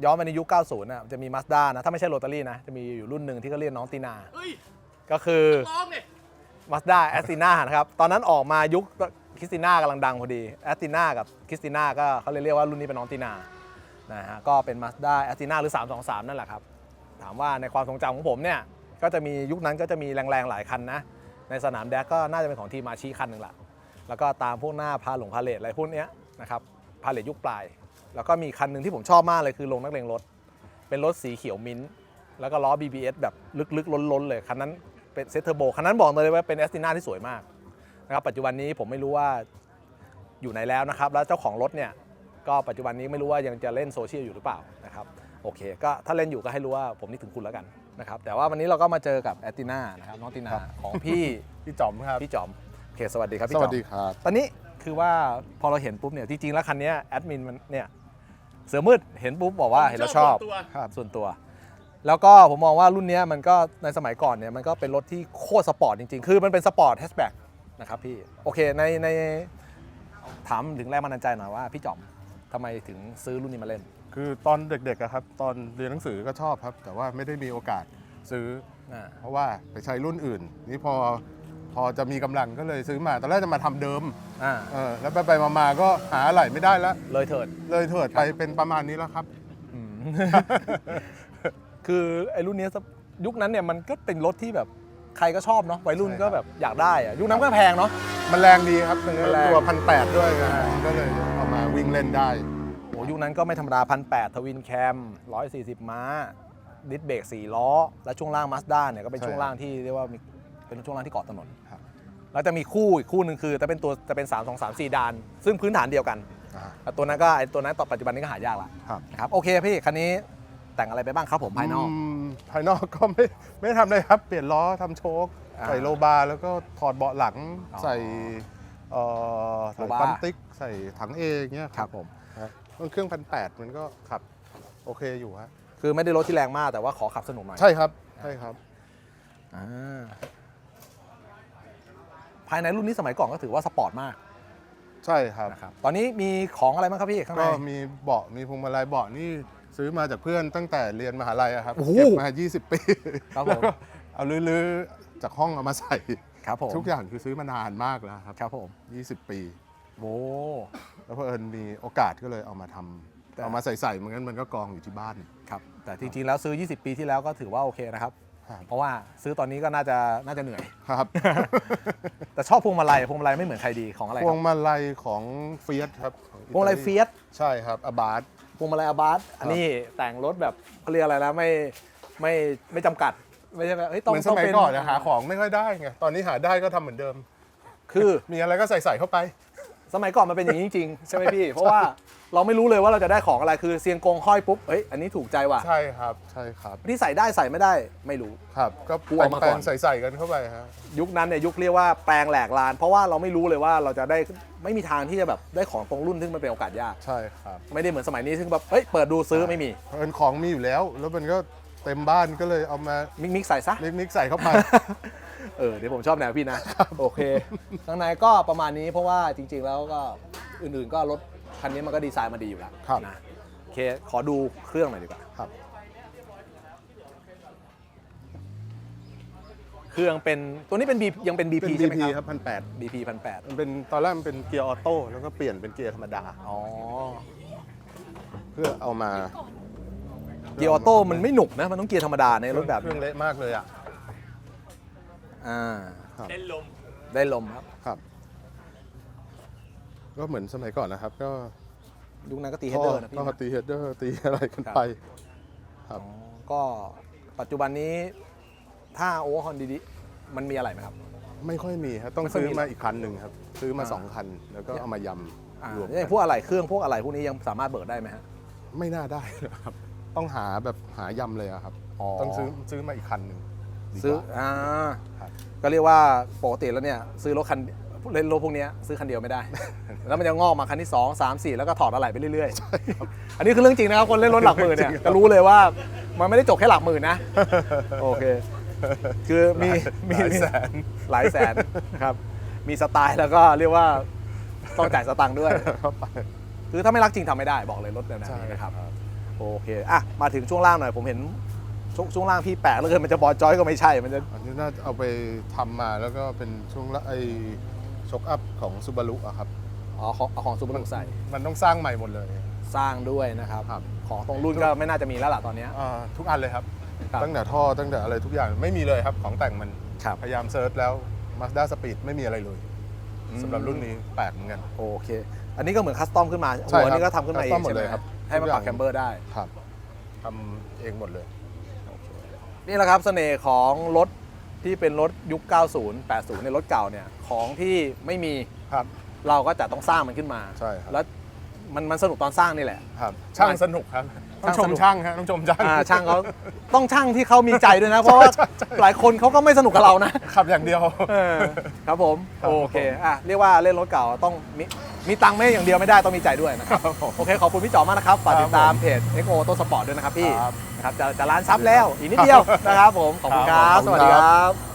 ย้อนไปในยุค 90 นะจะมี Mazda นะถ้าไม่ใช่โรตารี่นะจะมีอยู่รุ่นหนึ่งที่เขาเรียกน้องตีนาก็คือ Mazda a s t i n a นะครับตอนนั้นออกมายุคคริสติน่ากำลังดังพอดี a s t i n a กับคริสติน่าก็เขาเรียกว่ารุ่นนี้เป็นน้องตีนานะฮะก็เป็น Mazda a s t i n a หรือ 323 นั่นแหละครับถามว่าในความทรงจำของผมเนี่ยก็จะมียุคนั้นก็จะมีแรงๆหลายคันนะในสนามแดกก็น่าจะเป็นของทีมมาชีคันหนึ่งละแล้วก็ตามพวกหน้าพาเลทอะไรพวกนี้นะครับพาเลทยุคปลายแล้วก็มีคันหนึ่งที่ผมชอบมากเลยคือลงนักเลงรถเป็นรถสีเขียวมิ้นท์แล้วก็ล้อ BBS แบบลึกๆล้นๆเลยคันนั้นเป็นเซตเทอร์โบคันนั้นบอกเลยว่าเป็น a s t i n a ที่สวยมากนะครับปัจจุบันนี้ผมไม่รู้ว่าอยู่ไหนแล้วนะครับแล้วเจ้าของรถเนี่ยก็ปัจจุบันนี้ไม่รู้ว่ายังจะเล่นโซเชียลอยู่หรือเปล่านะครับโอเคก็ถ้าเล่นอยู่ก็ให้รู้ว่าผมนึกถึงคุณแล้วกันนะครับแต่ว่าวันนี้เราก็มาเจอกับ a s t i n a นะครับน้องตีนาของพี่จอมครับพี่จอมโอเคสวัสดีครับพี่จอมสวัสดีครับตอนนี้คือว่าพอเราเห็นปุ๊บเนี่ยจริงๆแล้วคันนี้แอดมินมันเนี่ยเสือมืดเห็นปุ๊บบอกว่าเห็นแล้วชอบส่วนตัวแล้วก็ผมมองว่ารุ่นนี้มันก็ในสมัยก่อนเนี่ยมันก็เป็นรถที่โคตรสปอร์ตจริงๆคือมันเป็นสปอร์ตแฮชแบ็กนะครับพี่โอเคในถามถึงแรงบันดาลใจหน่อยว่าพี่จอมทำไมถึงซื้อรุ่นนี้มาเล่นคือตอนเด็กๆอะครับตอนเรียนหนังสือก็ชอบครับแต่ว่าไม่ได้มีโอกาสซื้อเพราะว่าไปใช้รุ่นอื่นนี่พอจะมีกำลังก็เลยซื้อมาตอนแรกจะมาทำเดิมแล้วไปมาก็หาอะไรไม่ได้แล้วเลยเถิดไปเป็นประมาณนี้แล้วครับคือไอ้รุ่นนี้ยุคนั้นเนี่ยมันก็เป็นรถที่แบบใครก็ชอบเนาะวัยรุ่นก็แบบอยากได้อะยุคนั้นก็แพงเนาะมันแรงดีครับตัว1,800ด้วยก็เลยเอามาวิ่งเล่นได้โอ้ยุคนั้นก็ไม่ธรรมดา1,800ทวินแคม140ม้าดิสเบรก4ล้อและช่วงล่าง Mazda เนี่ยก็เป็นช่วงล่างที่เรียกว่าเป็นช่วงล่างที่เกาะถนนแล้วจะมีคู่อีกคู่หนึ่งคือจะเป็น323ซีดานซึ่งพื้นฐานเดียวกันตัวนั้นต่อปัจจุบันนี้ก็หายากละครับโอเคพี่คันนี้แต่งอะไรไปบ้างครับผมภายนอกก็ไม่ทำอะไรครับเปลี่ยนล้อทำโชคใส่โลบาร์แล้วก็ถอดเบาะหลังใส่ปั๊มติ๊กใส่ถังเอย่างเงี้ยครับผมเครื่อง1,800มันก็ขับโอเคอยู่ฮะคือไม่ได้รถที่แรงมากแต่ว่าขอขับสนุกหน่อยใช่ครับภายในรุ่นนี้สมัยก่อนก็ถือว่าสปอร์ตมากใช่ครับตอนนี้มีของอะไรบ้างครับพี่ข้างในก็มีเบาะมีพวงมาลัยเบาะนี่ซื้อมาจากเพื่อนตั้งแต่เรียนมหาลัยครับเก็บมา20 ปีแล้วก็เอาลื้อจากห้องเอามาใส่ครับผมทุกอย่างคือซื้อมานานมากแล้วครับผม 20 ปีโอ้แล้วพอมีโอกาสก็เลยเอามาทำเอามาใส่เหมือนกันมันก็กองอยู่ที่บ้านครับแต่จริงๆแล้วซื้อ20 ปีที่แล้วก็ถือว่าโอเคนะครับเพราะว่าซื้อตอนนี้ก็น่าจะเหนื่อยครับแต่ชอบพวงมาลัยไม่เหมือนใครดีของอะไรพวงมาลัยของเฟียสครับพวงมาลัยเฟียสใช่ครับอาบาสพวงมาลัยอาบาสอันนี้แต่งรถแบบเขาเรียกอะไรนะไม่จำกัดไม่ใช่แบบเหมือนสมัยก่อนหาของไม่ค่อยได้ไงตอนนี้หาได้ก็ทำเหมือนเดิมคือมีอะไรก็ใส่เข้าไปสมัยก่อนมันเป็นอย่างนี้จริงๆใช่ไหมพี่เพราะว่าเราไม่รู้เลยว่าเราจะได้ของอะไรคือเซียงกงห้อยปุ๊บอันนี้ถูกใจว่ะใช่ครับที่ใส่ได้ใส่ไม่ได้ไม่รู้ครับก็แปลงใส่กันเข้าไปฮะยุคนั้นเนี่ยยุคเรียกว่าแปลงแหลกลานเพราะว่าเราไม่รู้เลยว่าเราจะได้ไม่มีทางที่จะแบบได้ของตรงรุ่นซึ่งมันเป็นโอกาสยากใช่ครับไม่ได้เหมือนสมัยนี้ซึ่งแบบเปิดดูซื้อไม่มีเป็นของมีอยู่แล้วมันก็เต็มบ้านก็เลยเอามามิกใส่ซะมิกใส่เข้าไปเดี๋ยวผมชอบแนวพี่นะโอเคข้างในก็ประมาณนี้เพราะว่าจริงๆแล้วก็อื่นๆก็รถคันนี้มันก็ดีไซน์มาดีอยู่แล้วนะโอเคขอดูเครื่องหน่อยดีกว่าครับเครื่องเป็นตัวนี้เป็น ยังเป็น BP ใช่ไหมครับ 1,800 BP 1,800 มันเป็นตอนแรกมันเป็นเกียร์ออโต้แล้วก็เปลี่ยนเป็นเกียร์ธรรมดาเพื่อเอามาเกียร์ออโต้มันไม่หนุกนะมันต้องเกียร์ธรรมดาในรถแบบเครื่องเละมากเลยได้ลมครับก็เหมือนสมัยก่อนนะครับก็ยุคนั้นก็ตีเฮดเดอร์นะพี่ก็ตีเฮดเดอร์ตีอะไรกันไปครับก็ปัจจุบันนี้ถ้าโอเวอร์ฮอนดีๆมันมีอะไรไหมครับไม่ค่อยมีครับต้องซื้อมาอีกคันหนึ่งครับซื้อมา2 คันแล้วก็เอามายำรวมพวกอะไรเครื่องพวกอะไรพวกนี้ยังสามารถเบิกได้ไหมฮะไม่น่าได้ครับต้องหายำเลยครับต้องซื้อมาอีกคันหนึ่งซื้อก็เรียกว่าปกติแล้วเนี่ยซื้อรถคันเล่นรถพวกนี้ซื้อคันเดียวไม่ได้ แล้วมันจะงอกมาคันที่2 3 4แล้วก็ถอดอะไหล่ไปเรื่อยๆอันนี้คือเรื่องจริงนะครับคนเล่นรถหลักหมื่นเนี่ยจะรู้เลยว่ามันไม่ได้จบแค่หลักหมื่นนะโอเคคือมีหลายแสนครับมีสไตล์แล้วก็เรียกว่าต้องจ่ายสตังค์ด้วยคือถ้าไม่รักจริงทำไม่ได้บอกเลยรถแบบนี้นะครับโอเคอ่ะมาถึงช่วงล่างหน่อยผมเห็นช่วงล่างพี่แปลกแล้วเกินมันจะบอลจอยก็ไม่ใช่มันจะอันนี้น่าจะเอาไปทำมาแล้วก็เป็นช่วงละไอช็อคอัพของซูบารุอะครับอ๋อของซูเปอร์ลุกใส่มันต้องสร้างใหม่หมดเลยสร้างด้วยนะครับครับของตรงรุ่นก็ไม่น่าจะมีแล้วล่ะตอนเนี้ยทุกอันเลยครับครับตั้งแต่ท่อตั้งแต่อะไรทุกอย่างไม่มีเลยครับของแต่งมันครับพยายามเซิร์ชแล้ว Mazda Speed ไม่มีอะไรเลยสำหรับรุ่นนี้แปลกเหมือนกันโอเค อันนี้ก็เหมือนคัสตอมขึ้นมาใช่หัวครับนี่ก็ทำขึ้นมาเอง custom หมดใช่ไหเลมยครับให้มันปรับทุกอย่างแคมเบอร์ได้ครับทำเองหมดเลยนี่แหละครับเสน่ห์ของรถที่เป็นรถยุค 90 80 ในรถเก่าเนี่ยของที่ไม่มีครับเราก็จะต้องสร้างมันขึ้นมาใช่ครับแล้วมันสนุกตอนสร้างนี่แหละครับช่างสนุกครับต้องชมช่างฮะต้องชมช่างช่างเขาต้องช่างที่เขามีใจด้วยนะ เพราะว่าหลายคนเขาก็ไม่สนุกกับเรานะขับอย่างเดียวครับผมครับโอเคเรียกว่าเล่นรถเก่าต้องมีตังค์ไม่อย่างเดียวไม่ได้ต้องมีใจด้วยนะครับ โอเคขอบคุณพี่จ๋อมากนะครับฝากติดตามเพจ XO ต้นสปอร์ตด้วยนะครับพี่ครับนะครับจะล้านซับแล้วอีกนิดเดียวนะครับผมขอบคุณครับครับสวัสดีครับ